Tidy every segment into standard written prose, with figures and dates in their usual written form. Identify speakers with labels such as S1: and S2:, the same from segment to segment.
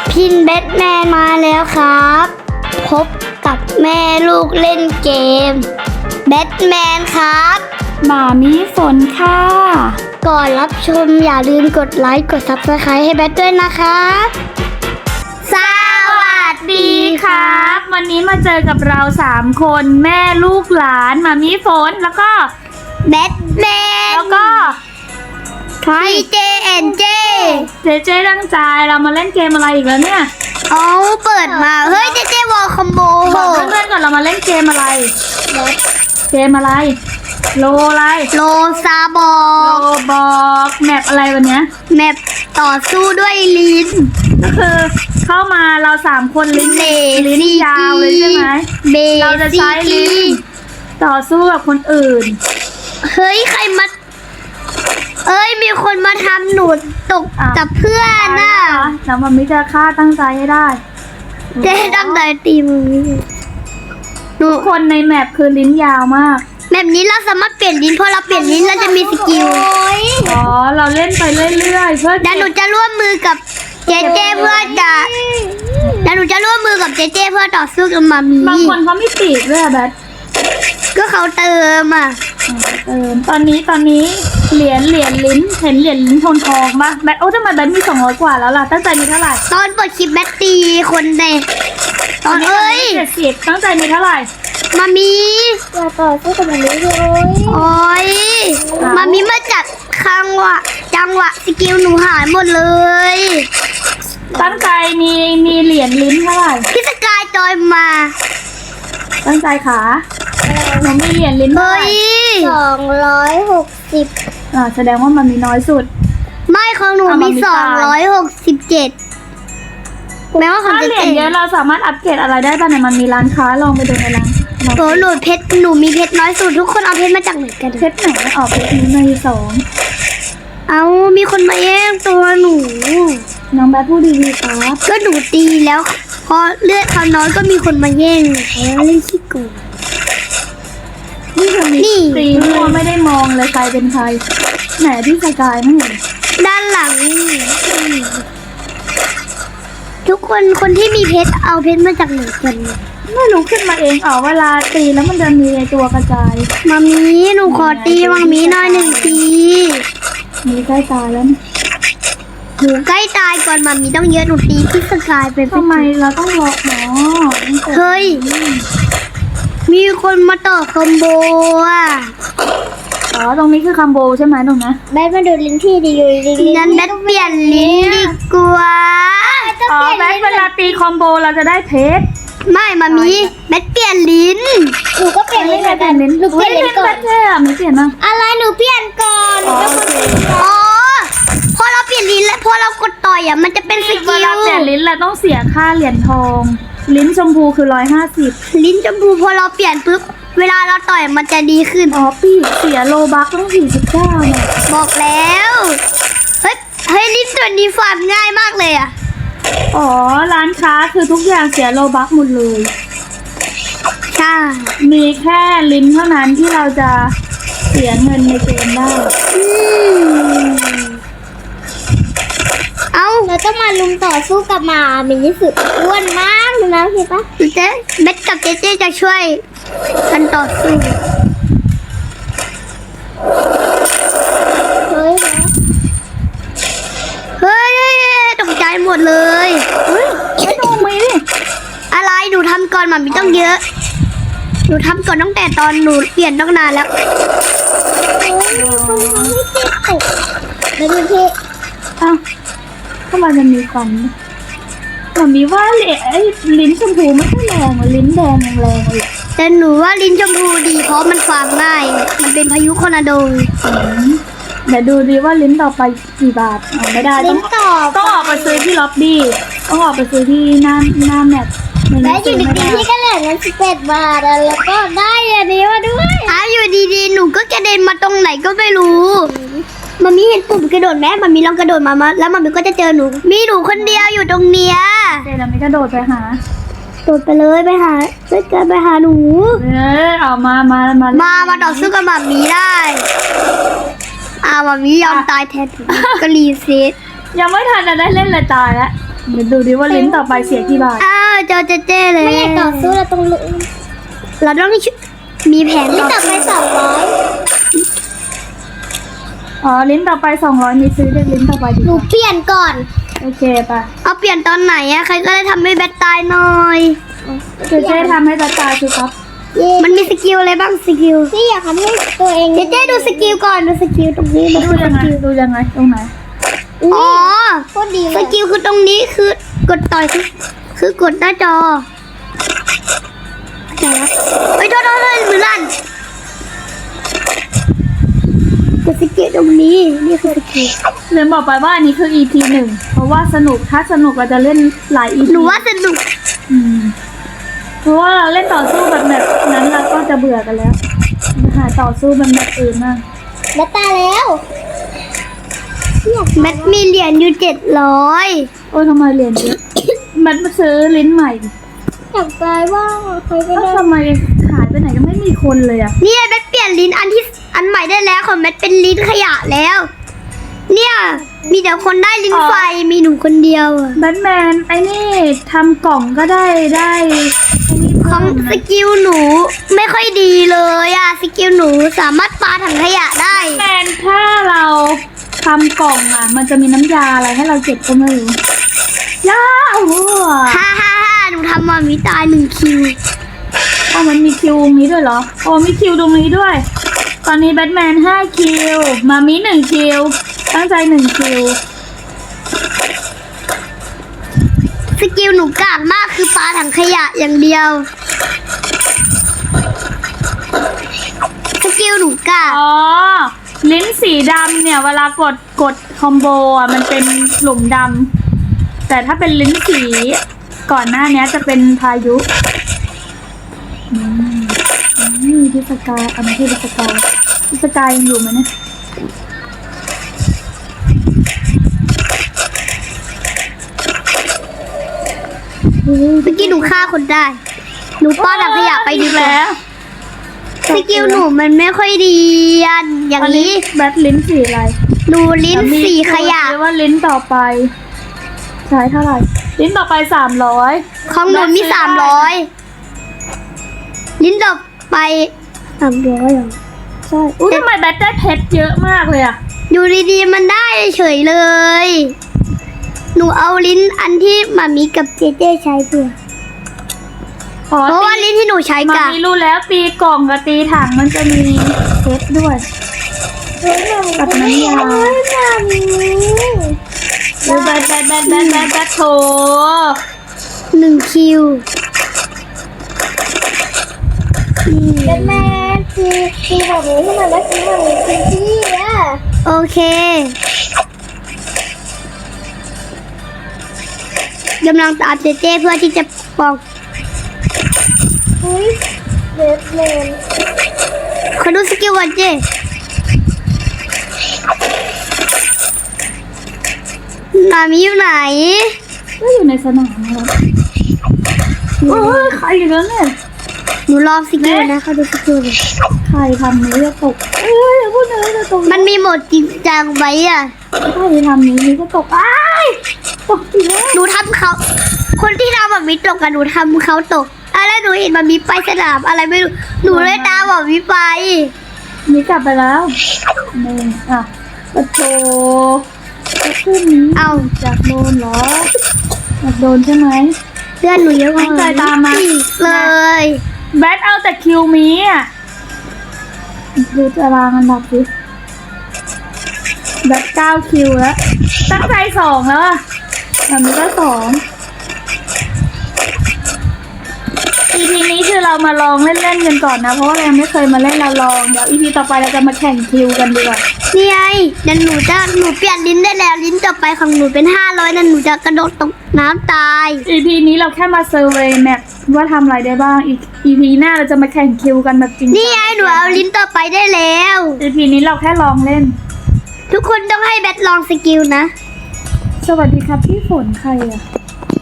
S1: พินแบทแมนมาแล้วครับ พบกับแม่ลูกเล่นเกมแบทแมนครับ
S2: หมามีฝนค่ะ
S1: ก่อนรับชมอย่าลืมกดไลค์กด Subscribe ให้แบทด้วยนะคะสวัสดีครับ
S2: วันนี้มาเจอกับเรา3คนแม่ลูกหลานหมามีฝนแล้วก็
S1: แบทแมน
S2: แล้วก็
S1: เจ
S2: เจตั้งใจเรามาเล่นเกมอะไรอีกแล้วเนี่ย
S1: เอาเปิดมาเฮ้ยเจวอลคอมโบ
S2: บอกเพื่อนๆก่อนเรามาเล่นเกมอะไรเกมอะไรโลอะไร
S1: โลซาบอ
S2: โลบอกแมปอะไรวันเนี้ย
S1: แมปต่อสู้ด้วยลิ้น
S2: ก็คือเข้ามาเรา3คนลิ้น
S1: เบ
S2: ยาวเลยใช่ไหม
S1: เบ
S2: เราจะใช้ลิ้นต่อสู้กับคนอื่น
S1: เฮ้ยใครมาเอ้ยมีคนมาทำหนูตกกับเพื่อนน่ะ
S2: แล้วมันไม่จะฆ่าตั้งใจให้ได้
S1: เจ๊ตั้งใจตีมึงหนู
S2: ทุกคนในแมปคือลิ้นยาวมาก
S1: แบบนี้เราสามารถเปลี่ยนลิ้นพอเราเปลี่ยนลิ้นเราจะมีสกิล
S2: อ๋อเราเล่นไปเรื่อยๆเพื่อ
S1: เดี๋ยวหนูจะร่วมมือกับเจเจเพื่อจะเดี๋ยวหนูจะร่วมมือกับเจเจเพื่อต่อสู้กับมามี
S2: บางคนเขาไม่ปีกด้วยอะแบท
S1: ก็เขาเติมอ่ะ
S2: ตอนนี้เหรียญลิ้นเห็นเหรียญลิ้นทองปะแบทโอ้ทำไมแบทมี200 กว่าแล้วล่ะตั้งใจมีเท่าไหร่
S1: ตอนเปิดคลิปแบตตีคนในตอนเอ้ย
S2: 70ตั้งใจมีเท่าไหร่
S1: มามี
S3: อย่าต่อสู้กับมันเลย
S1: โอ้ยมามีมาจัดจังหวะสกิลหนูหายหมดเลย
S2: ตั้งใจมีเหรียญลิ้นเท่าไหร่
S1: พี่สกายจอยมา
S2: ตั้งใจขาหนูมีเหรียญลิ้นเท่า
S1: เฮ้
S2: ไหร่
S1: ย
S3: 260
S2: แสดงว่ามันมีน้อยสุด
S1: ไม่ของหนู
S2: เอามา
S1: มี
S2: มีตาย
S1: 267แม้ว่าของ
S2: ถ้า
S1: จะ
S2: เหรียญเยอะเราสามารถอัปเกรดอะไรได้ป่ะเนี่ยมันมีร้านค้าลองไปดูในร้าน
S1: โอ้หนูเพชรหนูมีเพชรน้อยสุดทุกคนเอาเพชรมาจากไหนกัน
S2: เพชรไหนออกเพชรนี้ใน2
S1: เอามีคนมาแย่งตัวหนู
S2: น้องแบทพูดดีๆครับ
S1: ก็หนูตีแล้วพอเลือดเขาน้อยก็มีคนมาแย่งเขาเล่นขี้โกง
S2: นี่คือมี
S1: นี่
S2: ตีมัวไม่ได้มองเลยใครเป็นใครไหนพี่สกายไม่เห็น
S1: ด้านหลังนี่ทุกคนที่มีเพชรเอาเพชรมาจากไหนกันเนี่ย
S2: ไม่รู้ขึ้นมาเองเวลาตีแล้วมันจะมีไอ้ตัวกระจาย
S1: มามีหนูขอตีมามีหน่อย1 ที
S2: มีใกล้ตายแล้วเนี่ย
S1: หนูใกล้ตายก่อนมามีต้องเยอะหนูตีพี่สกายไป
S2: ทำไมเราต้องรอหมอ
S1: เฮ้ยมีคนมาต่อคอมโบอ่ะ
S2: ตรงนี้คือคัมโบใช่ไหมตรงนะ
S3: แบทมาดูลิ้นที่ดีอยู่ดี
S1: งั้นแบทเปลี่ยนลิ้นดีกว่า
S2: แบทเวลาตีคอมโบเราจะได้เพชร
S1: ไม่มามีแบทเปลี่ยนลิ้น
S3: หนูก็เปลี่ยนลิ้นเหมือนกันหนูเปลี่ยนลิ้นก่อน
S2: แบทเท่อะไม่เปลี่ยนมั้ง
S3: อะไรหนูเปลี่ยนก่อนหนูเป็นคนเปลี่ยนก่อน
S1: อ๋อพอเราเปลี่ยนลิ้นแล้วพอเรากดต่อยอ่ะมันจะเป็นส
S2: เว
S1: กิล
S2: ลาเปลี่ยนลิ้นเราต้องเสียค่าเหรียญทอง ลิ้นชมพูคือ150
S1: ลิ้นชมพูพอเราเปลี่ยนปุ๊บเวลาเราต่อยมันจะดีขึ้น
S2: ปีกเสียโลบัคต้อง49เนี่ย
S1: บอกแล้วเฮ้ยลิ้นตัวนี้ฟาร์มง่ายมากเลยอ่ะ
S2: ร้านค้าคือทุกอย่างเสียโลบัคหมดเลย
S1: ใช่
S2: มีแค่ลิ้นเท่านั้นที่เราจะเสียเงินในเกมได้
S1: เอา
S3: เราต้องมาลุมต่อสู้กับหมามีที่สุดอ้วนมากเลยนะพี่ปะ
S1: เจ๊เบ็ดกับเจ๊จะช่วยกันต่อสู้
S3: เฮ้ยนะ
S1: เฮ้ยตกใจหมดเลย
S2: ไม่ดูมีดิ
S1: อะไรหนูทำก่อนมันมีต้องเยอะหนูทำก่อนตั้งแต่ตอนหนูเปลี่ยนตั้งนานแล้ว
S3: ไม่ดูพี่
S2: ทำไมมันมีควันมันมีว่าลิ้นชมพูไม่ค่อยแรงลิ้นแดงยังแรงเลย
S1: แต่หนูว่าลิ้นชมพูดีเพราะมันฟาร์มง่ายมันเป็นพายุคอร์นาโด
S2: เดี๋ยวดูดีว่าลิ้นต่อไปกี่บาทไม่ได้
S3: ลิ้นต่อ
S2: ต้องออกไปซื้อที่ล็อบบี้ต้องออกไปซื้อที่หน้าแมป
S3: แม่อยู่ดีๆพี่ก็เหลือเงิน11 บาทแล้วก็ได้อันนี้มาด้วย
S1: อยู่ดีๆหนูก็กระเด็นมาตรงไหนก็ไม่รู้มันมีเห็นปุ่มกระโดดไหมมันมีลองกระโดดมาแล้วมันก็จะเจอหนูมีหนูคนเดียวอยู่ตรงเนี้ย
S2: เจนไม่กระโดดไปหา
S1: โดดไปเลยไปหาไปหาหนู
S2: เอามา
S1: ต่อสู้กับหมามีได้หมามียอมตายแทนหนูก็รีเซ็ต
S2: ยังไม่ทันจะได้เล่นเลยตายแล้วเดี๋ยวดูดิว่าลิ้นต่อไปเสียกี่บาท
S1: อ้าวเจอเจเจ้เลย
S3: ไม่อยากต่อสู้เราต้องลุก
S1: เราต้องมีแผน
S3: นี่
S1: ต่อ
S3: ต่อไป200
S2: อ๋อลิ้นต่อไป200นี่ซื้อได้ลิ้นต่อไปดี
S3: หนู
S2: กว่า
S3: เปลี่ยนก่อน
S2: โอเคป่ะ
S1: เอาเปลี่ยนตอนไหนอะใครก็ได้ทำให้แบทตายหน่อย
S2: เจ๊ทำให้ตาตาสิครับ
S3: เย้
S1: มันมีสกิลอะไรบ้างสกิล
S3: นี่อยากทำให้ตัวเอง
S1: เจเจ้ดูสกิลก่อนดูสกิลตรงนี้
S2: ดูยังไงดูยังไงตรงไหน
S1: อ๋อ
S3: โคตรดีเล
S1: ส
S3: ย
S1: กิลคือตรงนี้คือกดต่อยคือกดหน้าจอไหนวะไปโทษมือลั่นกดสกิลตรงนี้นี่คือสกิล
S2: เรียนบอกไปว่าอันนี้คือ EP 1เพราะว่าสนุกถ้าสนุกเราจะเล่นหลาย EP
S1: หนูว่าสนุก
S2: เพราะว่าเราเล่นต่อสู้แบบนั้นเราก็จะเบื่อกันแล้วหาต่อสู้แบบอื่นมาก
S3: แล้วตายแล้ว
S1: แมทมีเหรียญอยู่700
S2: โอ้ยทำไมเรียนเยอะ มันมาซื้อลิ้นใหม่
S3: อยากตายว่างใครก็
S2: แล้ว
S3: ได้
S2: ทำไมหายไปไหนก็ไม่มีคนเลยอ่ะ
S1: เนี่ยแมทเปลี่ยนลิ้นอันใหม่ได้แล้วของแมทเป็นลิ้นขยะแล้ว เนี่ยมีแต่คนได้ลิ้นไฟมีหนูคนเดียวอะ
S2: แบทแมนไอ้นี่ทำกล่องก็ได้ไอ้นี่
S1: ของสกิลหนูไม่ค่อยดีเลยอะสกิลหนูสามารถปาถังขยะได้
S2: แบทแมนถ้าเราทำกล่องอ่ะ มันจะมีน้ำยาอะไรให้เราเก็บก็ไม่รู้ยาโอ้โห
S1: ฮ่าหนูทำมามีตาย1 คิว
S2: อ๋อมันมีคิวตรงนี้ด้วยเหรอโอ้มีคิวตรงนี้ด้วย ตอนนี้แบทแมน5 คิวมามี1 คิวตั้งใจ1 คิว
S1: สกิลหนูกากมากคือปาถังขยะอย่างเดียว สกิลหนูกาก
S2: อ๋อ ลิ้นสีดำเนี่ย เวลากดคอมโบอ่ะมันเป็นหลุมดำแต่ถ้าเป็นลิ้นสีก่อนหน้านี้จะเป็นพายุพิสกายอันนี้พิสกายพิสกายยังอยู่ไหมเนี่ย
S1: สกิลหนูฆ่าคนได้ หนูปาถังขยะไปดีกว่า
S2: แล้ว
S1: สกิลหนูมันไม่ค่อยดีอันอย่างนี้
S2: แบทลิ้นสีอะไร
S1: หนูลิ้นสีขยะ
S2: เรีกว่าลิ้นต่อไปใช้เท่าไหร่ ลิ้นต่อไป300
S1: ของหนูมี300 ลิ้นต่อไป300เหรอ
S2: ใช่อุ้ยทำไมแบทได้เพชรเยอะมากเลยอ่ะ
S1: อยู่ดีๆมันได้เฉยเลย หนูเอาลิ้นอันที่มามีกับเจเจใช้เพื่อ
S2: อ๋อ
S1: เพราะว่าลิ้นที่หนูใช้
S2: มา
S1: กับ
S2: มีรู้แล้วตีกล่องกับตีถังมันจะมีเพชรด้วย
S3: เฮ้ยหนู
S2: กับน้ำยา
S3: เฮ้ยหนู
S2: ดูแบทโถ
S1: 1 คิว
S3: แบทแมนตีแบบนี้ทำไมไม่ตีแบบนี้ตีที่อ่ะ
S1: โอเคกำลังตามเจเจเพื่อที่จะปอก
S3: เฮ้ยแบทแมน
S1: ขอดูสกิลก่อนเจนามิอยู่ไหน
S2: ก็อยู่ในสนามนะครับโอ้ยใครอยู่แล้วเนี่ย
S1: หนูรอสกิลนะเขาดูสกิลก่อน
S2: ใครทำนี้จะตกเอ้ยอย่าพูดเลยจะตก
S1: มันมีโหมดจริงจังไว้อะ
S2: ใครทำนี้จะตกอ้ายตกอีกแล้ว
S1: หนูทำเขา คนที่ทำแบบมีตกกันหนูทำเขาตกแล้วหนูเห็นมันมีไปสนามอะไรไม่รู้ หนูเลยตามแบบมีไป
S2: นี่กลับไปแล้วนี่อ่ะปะโถจะขึ้นนี้
S1: เอา
S2: อยากโดนเหรออยากโดนใช่ไหม
S1: เพื่อนหนูเยอะกว่า
S2: ตั้งใจตามมา
S1: เลย
S2: แบทเอาแต่คิวมีอ่ะดูตารางอันดับสิแบท9 คิวแล้วตั้งใจ2แล้วอ่ะแบบนี้ก็2 EP นี้คือเรามาลองเล่นๆกันก่อนนะ เพราะว่าเรายังไม่เคยมาเล่นเราลองเดี๋ยว EP ต่อไปเราจะมาแข่งคิวกันดีกว่า
S1: นี่ไงเดี๋ยวหนูเปลี่ยนลิ้นได้แล้วลิ้นต่อไปของหนูเป็น500นั่นหนูจะกระโดดตกน้ำตาย
S2: EP นี้เราแค่มาเซอร์เวย์แมปว่าทำอะไรได้บ้างอีก EP หน้าเราจะมาแข่งคิวกันแบบจริงจัง
S1: นี่ไงหนูเอาลิ้นต่อไปได้แล้ว
S2: EP นี้เราแค่ลองเล่น
S1: ทุกคนต้องให้แบทลองสกิลนะ
S2: สวัสดีครับพี่ฝนใครอ่ะ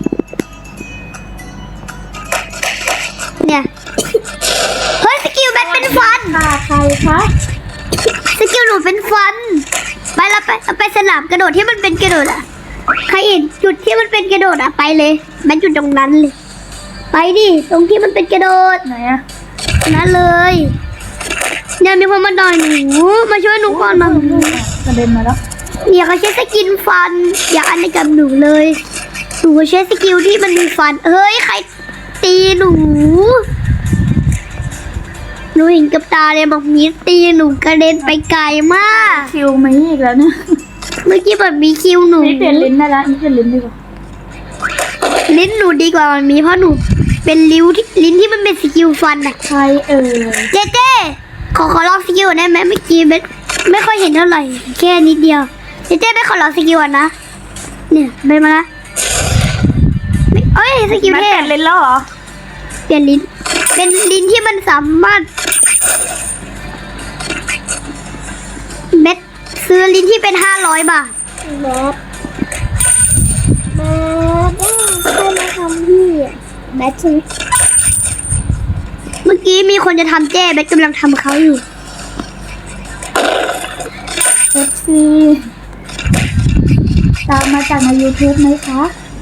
S1: เนี่ย เฮ้ยสกิลแบทเป็นฟัน
S2: ค่ะใครคะ
S1: สกิลหนูเป็นฟัน ไปเราไปสนามกระโดดที่มันเป็นกระโดดอะใครเห็นจุดที่มันเป็นกระโดดอะไปเลยแม่จุดตรงนั้นเลย ไปดิตรงที่มันเป็นกระโดด
S2: ไหนอะ
S1: นั่นเลยเนี่ยมีคนมาดอยหนูมาช่วยหนูก่อนมาก
S2: ระเด็นมาแล้ว
S1: เนี่ยเขาใช้สกินฟัน อย่าอันในกับหนูเลยหนูใช้สกิลที่มันมีฟันเฮ้ยใครตีหนูเห็นกับตาเลยบอกมีตีหนูกระเด็นไปไกลมาก
S2: คิวมาอีกแล้วเนี่ย
S1: เมื่อกี้แบบมีคิวหนู
S2: นี่เปลี่ยนลิ้นได้แล้วนี่เปลี่ยนลิ้นดีกว่า
S1: ลิ้นหนูดีกว่ามันมีเพราะหนูเป็นลิ้นที่มันเป็นสกิลฟันอะ
S2: ใครเอ่ย
S1: เจ๊ขอลองสกิลได้ไหมเมื่อกี้ไม่ค่อยเห็นเท่าไหร่แค่นิดเดียวเจ๊ไม่ขอลองสกิลนะเนี่ยไปมาละเอ้ยสกิล
S2: แม่
S1: เท่
S2: เปลี่ยนลิ้นแล้วเหรอ
S1: เปลี่ยนลิ้นเป็นลิ้นที่มันสามารถเม็ดซื้อลิ้นที่เป็น500 บาท
S3: แบทให้มาทำพี่แบทใช่ไหม
S1: เมื่อกี้มีคนจะทำเจ๊เบสกำลังทำเขาอยู่
S2: FC ตามมาจากใน YouTube ไหมคะ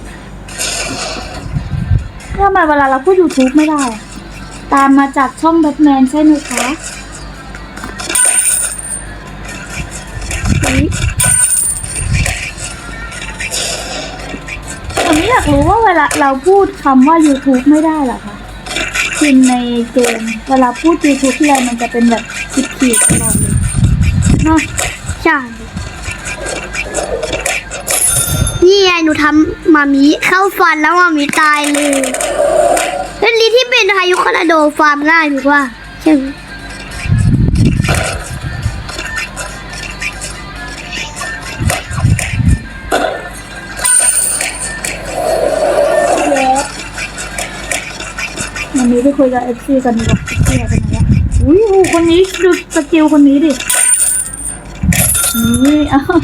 S2: ทำไมเวลาเราพูด YouTube ไม่ได้อะตามมาจากช่องแบทแมนใช่ไหมคะผมอยากรู้ว่าเวลาเราพูดคำว่า YouTube ไม่ได้เหรอคะพิมพ์ในเกมเวลาพูด YouTube ที่ไรมันจะเป็นแบบขีดๆตลอดเลยเนาะ
S1: ใช่นี่ไงหนูทำมามีเข้าฟันแล้วมามีตายเลยเป็นลิ้นที่เป็นพายุคอร์นาโดฟาร์มง่ายถูกว่าใช่ไหม
S3: แบท
S2: วันนี้ไปคุยกับ FC กันดีกว่า FC หายไปไหนวะอุ้ยโหคนนี้ดูสกิลคนนี้ดิ นี่อ้าว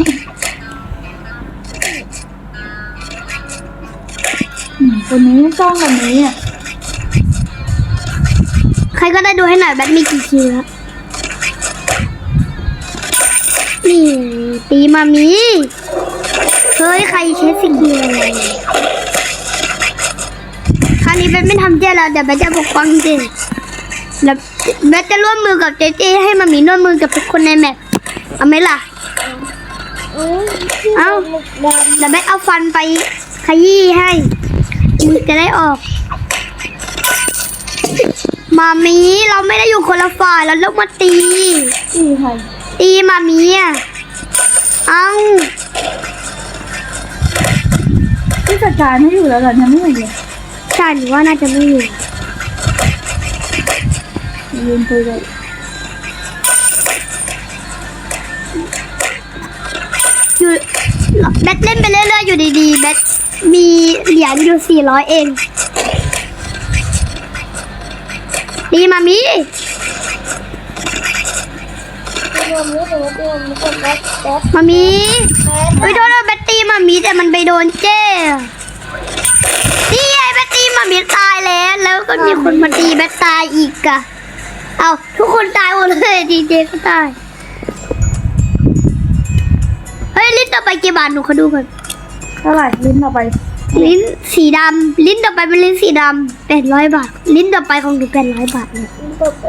S2: คนนี้จ้องแบบนี้อ่ะ
S1: ใครก็ได้ดูให้หน่อยแบทมีกี่คิวแล้วนี่ตีมามีเฮ้ยใครใช้สกิลอะไรคราวนี้แบทไม่ทำเจ๊แล้วเดี๋ยวแบทจะปกป้องเจ๊แล้วแบทจะร่วมมือกับเจ๊ให้มามีร่วมมือกับทุกคนในแมปเอาไหมล่ะ
S3: พี่
S1: เอ้า
S3: หมึกดำ
S1: เดี๋ยวแบทเอาฟันไปขยี้ให้มือจะได้ออก มามีเราไม่ได้อยู่คนละฝ่ายเราต้องมาตี
S2: นี่ใคร
S1: ตีมามีอ่ะเอ้า
S2: ที่จัดการให้อยู่แล้วเหรอเนี่ยไม่เห็นเลย
S1: ใช่หรือว่าน่าจะไม่อยู่
S2: ยืนคุยเลย
S1: อยู่แบทเล่นไปเรื่อยๆอยู่ดีๆแบทมีเหรียญอยู่400เองตีมามี
S3: พี่โดนไม่โดนพี่โดนไม่โดนแบทแบท
S1: มามี
S3: แบท
S1: เฮ้ยโทษนะแบทตีมามีแต่มันไปโดนเจ้นี่ไงแบทตีมามีตายแล้วก็มีคนมาตีแบทตายอีกอะเอาทุกคนตายหมดเลยดีเจก็ตายเฮ้ยลิ้นต่อไปกี่บาทหนูขอดูก่อน
S2: เท่าไหร่ลิ้นเราไป
S1: ลิ้นสีดำลิ้นต่อไปเป็นลิ้นสีดำ800 บาทลิ้นต่อไปของหนู800 บาทเลย
S3: ตบไป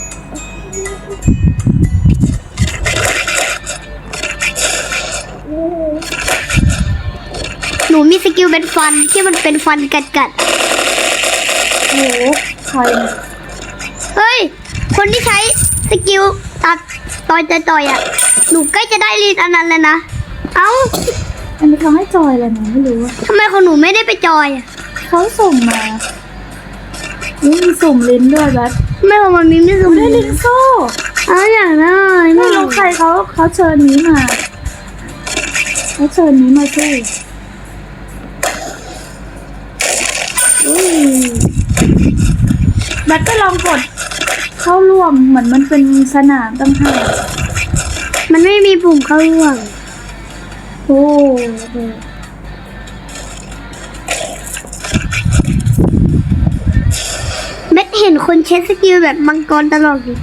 S1: หนูมีสกิลเป็นฟันที่มันเป็นฟันกัด
S2: โอ้โหใครเนี่ย
S1: เฮ้ยคนที่ใช้สกิลตัดต่อยอ่ะหนูใกล้จะได้ลิ้นอันนั้นแล้วนะเอ้า
S2: อันนี้เขาให้จอยอะไรเนี่ยไม่รู้อะ
S1: ทำไมของหนูไม่ได้ไปจอยอ่ะ
S2: เขาส่งมานี่มีสุ่มลิ้นด้วยแบท
S1: ทำไมของมันมีไม่สูง
S2: ได้ลิ้นโซ่
S1: อ้าวอย่างนั้น
S2: ไม่รู้ใครเขาเชิญนี้มาเขาเชิญนี้มาช่วย แบทก็ลองกดเข้าร่วมเหมือนมันเป็นสนามตั้งหาก
S1: มันไม่มีปุ่มเข้าร่วม
S2: โอ้โห
S1: เบ็ดเห็นคนใช้สกิลแบบมังกรตลอดเลย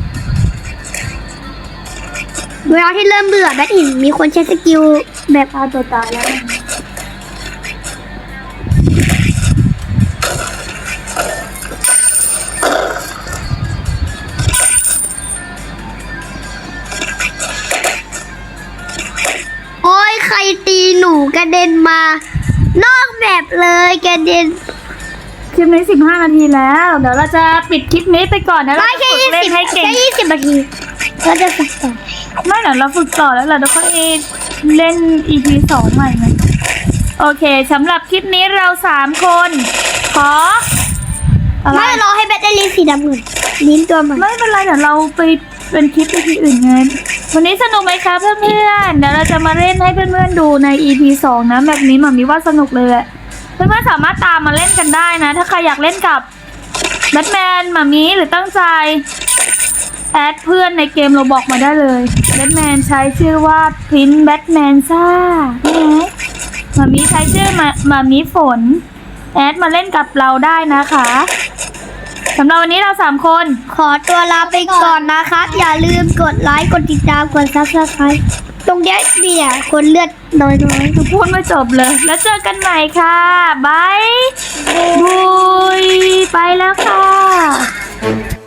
S1: เวลาที่เริ่มเบื่อแบทเห็นมีคนใช้สกิลแบบ
S2: ฆ่าตัวตายแล้ว
S1: นอกแบบเลยกระเด็น
S2: คลิปนี้15 นาทีแล้ว เดี๋ยวเราจะปิดคลิปนี้ไปก่อนนะเรา
S1: ไม่
S2: จะ
S1: แค่
S2: ฝึกเล่นให้เก่ง
S1: 20 นาทีเราจะฝึกต่อ
S2: ไม่เดี๋ยวเราฝึกต่อแล้วเราจะค่อยเล่น EP 2 ใหม่ไหมโอเคสำหรับคลิปนี้เรา3 คนขออะไร
S1: ไม่รอให้แบตได้ลิ้นสีดำก่อนลิ้นตัวใหม่
S2: ไม่เป็นไรเดี๋ยวเราไปเป็นคลิป EP อื่นไงวันนี้สนุกไหมคะเพื่อนๆเดี๋ยวเราจะมาเล่นให้เพื่อนๆดูใน EP 2 นะแบบนี้หมามีว่าสนุกเลยแหละเพื่อนๆสามารถตามมาเล่นกันได้นะ ถ้าใครอยากเล่นกับแบทแมนหมามีหรือตั้งใจแอดเพื่อนในเกมเราบอกมาได้เลยแบทแมนใช้ชื่อว่าพินแบทแมนซ่านี่ไงหมามีใช้ชื่อหมามีฝนแอดมาเล่นกับเราได้นะคะสำหรับวันนี้เรา3 คน
S1: ขอตัวลาไปก่อนนะครับ อย่าลืมกดไลค์กดติดตามกด Subscribe ตรงเนี้ยเนี่ยคนเลือดน้อยๆ
S2: คือพูดไม่จบเลย แล้วเจอกันใหม่ค่ะบายบุยไปแล้วค่ะ